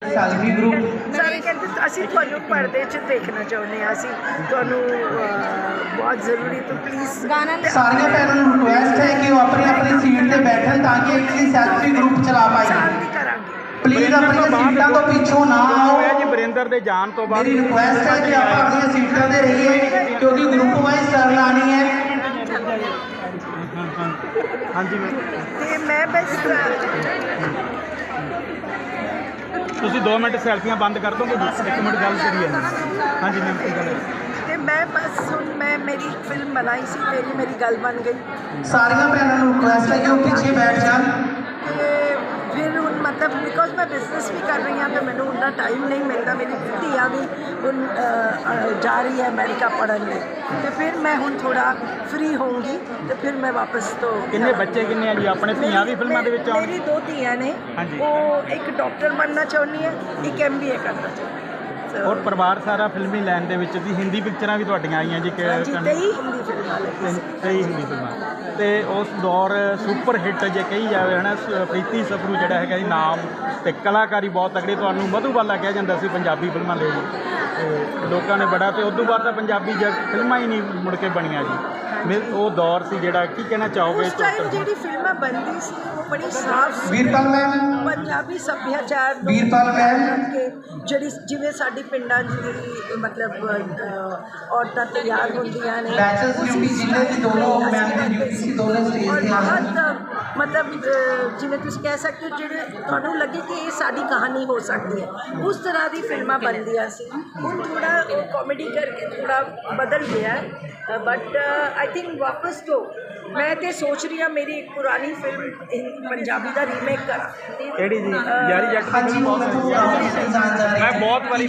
Selfie group ਸਾਰੇ ਕਹਿੰਦੇ ਅਸੀਂ ਤੁਹਾਨੂੰ ਪਰਦੇ 'ਚ ਦੇਖਣਾ ਚਾਹੁੰਦੇ ਹਾਂ, ਅਸੀਂ ਤੁਹਾਨੂੰ ਬਹੁਤ ਜ਼ਰੂਰੀ ਤੋਂ ਪਲੀਜ਼ ਸਾਰੀਆਂ ਭੈਣਾਂ ਨੂੰ ਰਿਕੁਐਸਟ ਹੈ ਕਿ ਉਹ ਆਪਣੀ ਆਪਣੀ ਸੀਟ ਤੇ ਬੈਠਣ ਤਾਂ ਕਿ ਇੱਕ ਸੈਲਫੀ ਗਰੁੱਪ ਚਲਾ ਪਾਈਏ। ਸ਼ਾਂਤੀ ਕਰਾਂਗੇ। ਪਲੀਜ਼ ਆਪਣੀਆਂ ਸੀਟਾਂ ਤੋਂ ਪਿੱਛੋਂ ਨਾ ਆਓ। ਜੀ ਵਰਿੰਦਰ ਦੇ ਜਾਣ ਤੋਂ ਬਾਅਦ ਮੇਰੀ ਰਿਕੁਐਸਟ ਹੈ ਕਿ ਆਪਾਂ ਆਪਣੀਆਂ ਸੀਟਾਂ ਤੇ ਰਹੀਏ ਕਿਉਂਕਿ ਗਰੁੱਪ ਵਾਈਜ਼ ਟਰਨ ਆਣੀ ਹੈ। ਹਾਂਜੀ ਤੇ ਮੈਂ ਬਸ ਤੁਸੀਂ 2 ਮਿੰਟ ਸੈਲਫੀਆਂ ਬੰਦ ਕਰ ਦੋਗੇ ਜੀ? 1 ਮਿੰਟ ਗੱਲ ਕਰੀਏ। ਹਾਂਜੀ ਮੈਮ ਕੀ ਗੱਲ ਹੈ? ਤੇ ਮੈਂ ਬਸ ਹੁਣ ਮੈਂ ਮੇਰੀ ਫਿਲਮ ਬਣਾਈ ਸੀ, ਮੇਰੀ ਗੱਲ ਬਣ ਗਈ। ਸਾਰੀਆਂ ਭੈਣਾਂ ਨੂੰ ਰਿਕੁਐਸਟ ਹੈ ਕਿ ਉਹ ਪਿੱਛੇ ਬੈਠ ਜਾਣ। ਤੇ ਫਿਰ ਹੁਣ ਮਤਲਬ ਬਿਕੋਜ਼ ਮੈਂ ਬਿਜ਼ਨਸ ਵੀ ਕਰ ਰਹੀ ਹਾਂ ਤਾਂ ਮੈਨੂੰ ਉਨਾ ਟਾਈਮ ਨਹੀਂ ਮਿਲਦਾ। ਮੇਰੀ ਧੀਆਂ ਵੀ ਹੁਣ ਜਾ ਰਹੀ ਹੈ ਅਮਰੀਕਾ ਪੜ੍ਹਨ ਲਈ, ਤੇ ਫਿਰ ਮੈਂ ਹੁਣ ਥੋੜਾ ਫ੍ਰੀ ਹੋਊਂਗੀ ਤੇ ਫਿਰ ਮੈਂ ਵਾਪਸ ਤੋਂ। ਕਿੰਨੇ ਬੱਚੇ ਕਿੰਨੇ ਆ ਜੀ ਆਪਣੇ? ਧੀਆਂ ਵੀ ਫਿਲਮਾਂ ਦੇ ਵਿੱਚ ਆਉਣ? ਮੇਰੀ 2 ਧੀਆਂ ਨੇ। ਹਾਂਜੀ। ਉਹ ਇੱਕ ਡਾਕਟਰ ਬਣਨਾ ਚਾਹੁੰਦੀ ਹੈ, ਇੱਕ MBA ਕਰਨਾ ਚਾਹੁੰਦੀ ਹੈ। ਔਰ ਪਰਿਵਾਰ ਸਾਰਾ ਫਿਲਮੀ ਲਾਈਨ ਦੇ ਵਿੱਚ ਵੀ ਹਿੰਦੀ ਪਿਕਚਰਾਂ ਵੀ ਤੁਹਾਡੀਆਂ ਆਈਆਂ ਜੀ ਕਿ ਹਾਂਜੀ, 23 ਹਿੰਦੀ ਫਿਲਮਾਂ ਲੱਗੀ ਸੀ। 23 ਹਿੰਦੀ ਫਿਲਮਾਂ ਤੇ ਉਸ ਦੌਰ ਸੁਪਰ ਹਿੱਟ ਜੇ ਕਹੀ ਜਾਵੇ ਹੈ ਨਾ, ਪ੍ਰੀਤੀ ਸਪਰੂ ਜਿਹੜਾ ਹੈਗਾ ਜੀ ਨਾਮ ਤੇ ਕਲਾਕਾਰੀ ਬਹੁਤ ਤਕੜੀ। ਤੁਹਾਨੂੰ ਮਧੂਬਾਲਾ ਕਿਹਾ ਜਾਂਦਾ ਸੀ ਪੰਜਾਬੀ ਫਿਲਮਾਂ ਲਈ ਤੇ ਲੋਕਾਂ ਨੇ ਬੜਾ, ਤੇ ਉਸ ਤੋਂ ਬਾਅਦ ਤਾਂ ਪੰਜਾਬੀ ਫਿਲਮਾਂ ਹੀ ਨਹੀਂ ਮੁੜ ਕੇ ਬਣੀਆਂ ਜੀ। ਉਹ ਦੌਰ ਸੀ ਜਿਹੜਾ, ਕੀ ਕਹਿਣਾ ਚਾਹੋਗੇ? ਉਸ ਟਾਈਮ ਜਿਹੜੀ ਫਿਲਮਾਂ ਬਣਦੀ ਸੀ ਉਹ ਬੜੀ ਸਾਫ਼ ਵੀਰਪਾਲ ਮੈਮ, ਪੰਜਾਬੀ ਸੱਭਿਆਚਾਰ ਨੂੰ ਵੀਰਪਾਲ ਮੈਮ, ਕੇ ਜਿਹੜੀ ਜਿਵੇਂ ਸਾਡੀ ਪਿੰਡਾਂ 'ਚ ਜਿਹੜੀ ਮਤਲਬ ਔਰਤਾਂ ਤਿਆਰ ਹੁੰਦੀਆਂ ਨੇ, ਬੈਚਲਰਸ ਡਿਊਟੀ ਜਿੰਨੇ ਵੀ ਦੋਨੋਂ ਮੈਮ ਦੀ ਡਿਊਟੀ ਸੀ ਦੋਨੋਂ ਸਟੇਜ ਔਰ ਤੇ ਆਉਣ। ਬਹੁਤ ਮਤਲਬ ਜਿਵੇਂ ਤੁਸੀਂ ਕਹਿ ਸਕਦੇ ਹੋ ਜਿਹੜੇ ਤੁਹਾਨੂੰ ਲੱਗੇ ਕਿ ਇਹ ਸਾਡੀ ਕਹਾਣੀ ਹੋ ਸਕਦੀ ਹੈ, ਉਸ ਤਰ੍ਹਾਂ ਦੀ ਫਿਲਮਾਂ ਬਣਦੀਆਂ ਸੀ। ਹੁਣ ਥੋੜਾ ਕਾਮੇਡੀ ਕਰਕੇ ਥੋੜਾ ਬਦਲ ਗਿਆ ਹੈ, ਬਟ ਆਈ ਥਿੰਕ ਵਾਪਸ ਤੋਂ ਮੈਂ ਤੇ ਸੋਚ ਰਹੀ ਹਾਂ ਮੇਰੀ ਇੱਕ ਪੁਰਾਣੀ ਫਿਲਮ ਪੰਜਾਬੀ ਦਾ ਰੀਮੇਕ ਕਰਾਂ। ਕਿਹੜੀ ਜੀ? ਯਾਰੀ ਜੱਟ ਦੀ ਹਾਂਜੀ ਫਿਲਮ ਉਹ ਬਹੁਤ ਮੈਨੂੰ ਵਧੀਆ। ਜਾਣ ਜਾ ਰਹੀ ਮੈਂ ਬਹੁਤ ਵਾਰੀ